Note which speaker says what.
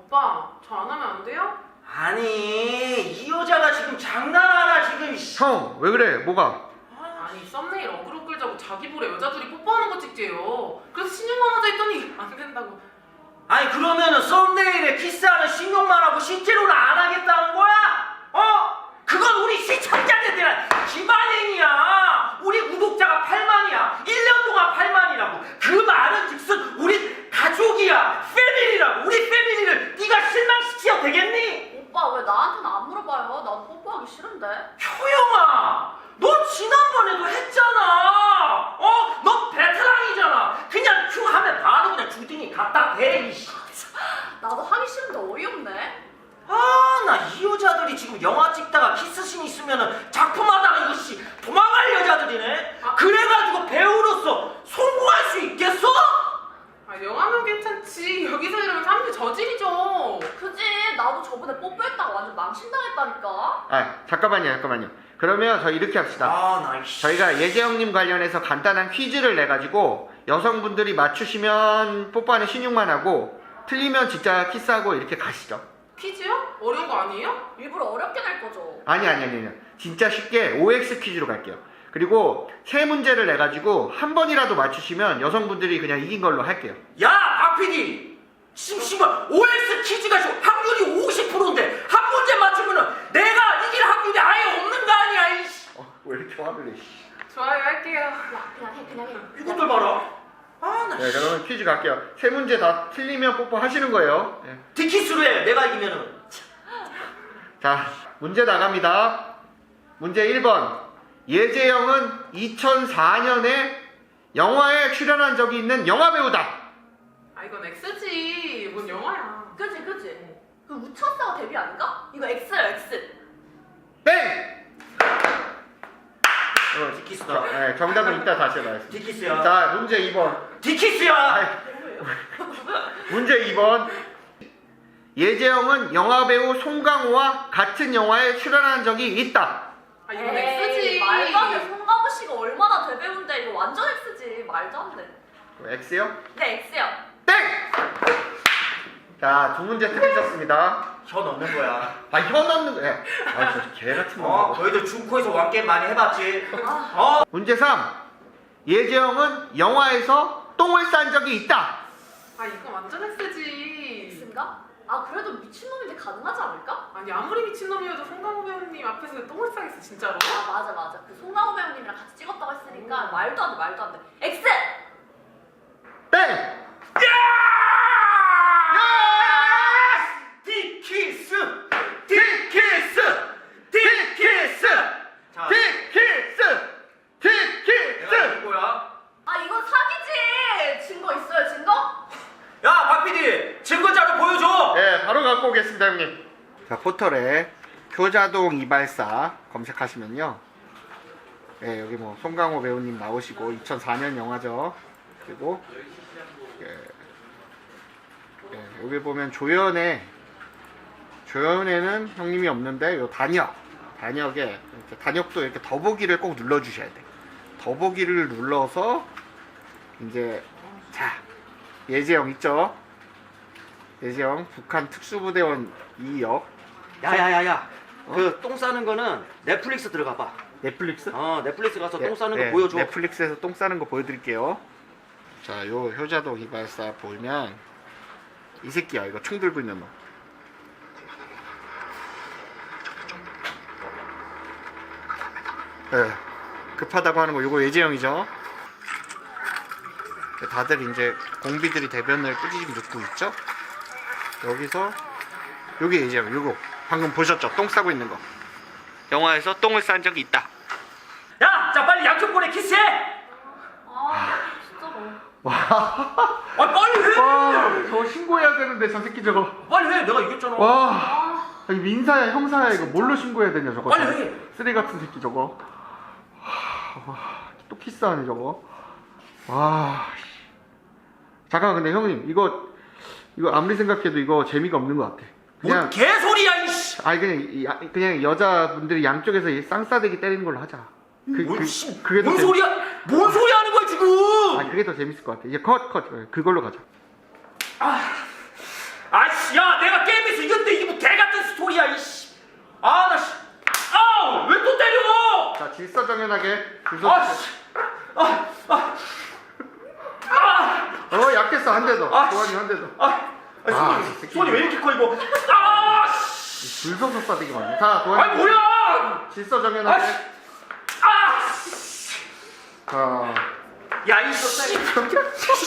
Speaker 1: 오빠, 저 안 하면 안 돼요?
Speaker 2: 아니 이 여자가 지금 장난하나 지금.
Speaker 3: 형, 왜 그래? 뭐가?
Speaker 1: 아니, 썸네일 어그로 끌자고 자기 볼에 여자들이 뽀뽀하는 거 찍재요. 그래서 신용만 하자 했더니 안 된다고.
Speaker 2: 아니 그러면은 썸네일에 키스하는 신용만 하고 실제로는 안 하겠다는 거야? 그건 우리 시청자들에 대한 기반행위야. 우리 구독자가 8만이야. 1년 동안 8만이라고. 그 말은 즉슨 우리 가족이야. 패밀리라고. 우리 패밀리를 네가 실망시켜 되겠니?
Speaker 4: 오빠 왜 나한테는 안 물어봐요? 난 뽀뽀하기 싫은데.
Speaker 2: 효영아, 너 지난번에도 했잖아. 너 베테랑이잖아. 그냥 큐 하면 바로 그냥 주둥이 갖다 대. 이씨.
Speaker 4: 나도 하기 싫은데 어이없네.
Speaker 2: 나 이 여자들이 지금 영화 찍다가 키스씬 있으면은 작품하다가 이것이 도망갈 여자들이네. 그래가지고 배우로서 성공할 수 있겠어?
Speaker 1: 아, 영화면 괜찮지. 여기서 이러면 사람들 저질이죠.
Speaker 4: 그지? 나도 저번에 뽀뽀했다가 완전 망신당했다니까.
Speaker 3: 아, 잠깐만요. 그러면 저희 이렇게 합시다.
Speaker 2: 나 이씨.
Speaker 3: 저희가 예재형님 관련해서 간단한 퀴즈를 내가지고 여성분들이 맞추시면 뽀뽀하는 신용만 하고 틀리면 진짜 키스하고 이렇게 가시죠.
Speaker 1: 퀴즈요? 어려운 거 아니에요?
Speaker 4: 일부러 어렵게 낼 거죠.
Speaker 3: 아니. 진짜 쉽게 OX 퀴즈로 갈게요. 그리고 세 문제를 내가지고 한 번이라도 맞추시면 여성분들이 그냥 이긴 걸로 할게요.
Speaker 2: 야, 박 PD. 심심한 OX 퀴즈가 확률이 50%인데 한 문제 맞추면은 내가 이길 확률이 아예 없는 거 아니야, 이씨.
Speaker 3: 왜 이렇게 화를 내?
Speaker 1: 좋아요, 할게요.
Speaker 4: 야 그냥 해.
Speaker 2: 이것들 봐라. 나
Speaker 3: 네, 그러면 퀴즈 갈게요. 세 문제 다 틀리면 뽀뽀 하시는 거예요. 네.
Speaker 2: 디키스로 해. 내가 이기면은.
Speaker 3: 자, 문제 나갑니다. 문제 1번. 예재영은 2004년에 영화에 출연한 적이 있는 영화배우다.
Speaker 1: 아, 이건 X지. 뭔 영화야.
Speaker 4: 그지? 그 우차사가 데뷔 아닌가? 이거 X야 X.
Speaker 3: 땡!
Speaker 2: 디키스다.
Speaker 3: 네, 정답은 이따 다시 해봐야겠습니다.
Speaker 2: 디키스야.
Speaker 3: 자, 문제 2번.
Speaker 2: 디키스야.
Speaker 3: 문제 2번. 예재영은 영화배우 송강호와 같은 영화에 출연한 적이 있다.
Speaker 1: 아, 이건 X지.
Speaker 4: 말도 안 돼. 송강호 씨가 얼마나 대배우인데 이거 완전 X지. 말도 안 돼.
Speaker 3: X요?
Speaker 4: 네 X야.
Speaker 3: 땡! 자, 두 문제 틀리셨습니다.
Speaker 2: 혀 넣는 거야.
Speaker 3: 혀 넣는 거. 아, 저 개같은 거.
Speaker 2: 너희들 중코에서 왕게임 많이 해봤지?
Speaker 3: 문제 3. 예재영은 영화에서 똥을 싼 적이 있다.
Speaker 1: 아, 이건 완전 X지.
Speaker 4: X인가? 아 그래도 미친놈인데 가능하지 않을까?
Speaker 1: 아니, 아무리 미친놈이어도 송강호 배우님 앞에서 똥을 싸겠어, 진짜로.
Speaker 4: 아 맞아. 그 송강호 배우님이랑 같이 찍었다고 했으니까 말도 안 돼. X!
Speaker 3: 땡!
Speaker 2: 디키스! 자, 내가 이긴 거야.
Speaker 4: 아 이건 사기지! 증거 있어요 증거?
Speaker 2: 야, 박PD! 증거자료 보여줘!
Speaker 3: 네, 바로 갖고 오겠습니다, 형님. 자, 포털에 효자동 이발사 검색하시면요. 네, 여기 뭐 송강호 배우님 나오시고 2004년 영화죠. 그리고 여기 보면 조연에는 형님이 없는데 요 단역에 단역도 이렇게 더보기를 꼭 눌러주셔야 돼. 더보기를 눌러서 이제 자 예재영 있죠? 예재영 북한 특수부대원 2역.
Speaker 2: 야야야야. 그 똥 싸는 거는 넷플릭스 들어가 봐.
Speaker 3: 넷플릭스?
Speaker 2: 넷플릭스 가서 똥 싸는 거 보여줘.
Speaker 3: 넷플릭스에서 똥 싸는 거 보여드릴게요. 자, 요 효자동 이발사 보면 이 새끼야. 이거 총 들고 있는 놈. 네, 급하다고 하는 거 요거 예재영이죠. 다들 이제 공비들이 대변을 꾸짖고 눕고 있죠. 여기서 요게 예재영. 요거 방금 보셨죠? 똥 싸고 있는 거. 영화에서 똥을 싼 적이 있다.
Speaker 2: 야! 자, 빨리 양쪽 볼에 키스해!
Speaker 4: 아 진짜 너.
Speaker 3: 와,
Speaker 2: 빨리 해!
Speaker 3: 와, 저 신고해야 되는데 저 새끼 저거.
Speaker 2: 빨리 해! 내가 이겼잖아.
Speaker 3: 와, 여기 민사야, 형사야, 이거 뭘로 신고해야 되냐 저거.
Speaker 2: 빨리
Speaker 3: 저거.
Speaker 2: 해!
Speaker 3: 쓰레기 같은 새끼 저거. 와, 또 키스하네 저거. 와, 잠깐 근데 형님 이거 아무리 생각해도 이거 재미가 없는 것 같아.
Speaker 2: 뭔 개소리야, 이씨!
Speaker 3: 아니 그냥 여자분들이 양쪽에서 이 쌍싸대기 때리는 걸로 하자. 그게 더
Speaker 2: 뭔 소리야? 뭔 소리 하는 거야 지금?
Speaker 3: 그게 더 재밌을 것 같아. 이제 컷 그걸로 가자.
Speaker 2: 아씨 씨, 야, 내가 게임에서 이겼는데 이게 뭐 개같은 스토리야, 이씨. 아, 나 씨. 아우, 왜 또 때려?
Speaker 3: 자, 질서정연하게.
Speaker 2: 아, 씨.
Speaker 3: 약했어, 한 대 더.
Speaker 2: 아,
Speaker 3: 도환이 한 대 더.
Speaker 2: 손이 왜 이렇게 커, 이거? 아, 씨.
Speaker 3: 줄서서 싸대기 맞네. 자, 도환이.
Speaker 2: 아니, 뭐야?
Speaker 3: 질서정연하게.
Speaker 2: 아,
Speaker 3: 자.
Speaker 2: 야, 이 씨.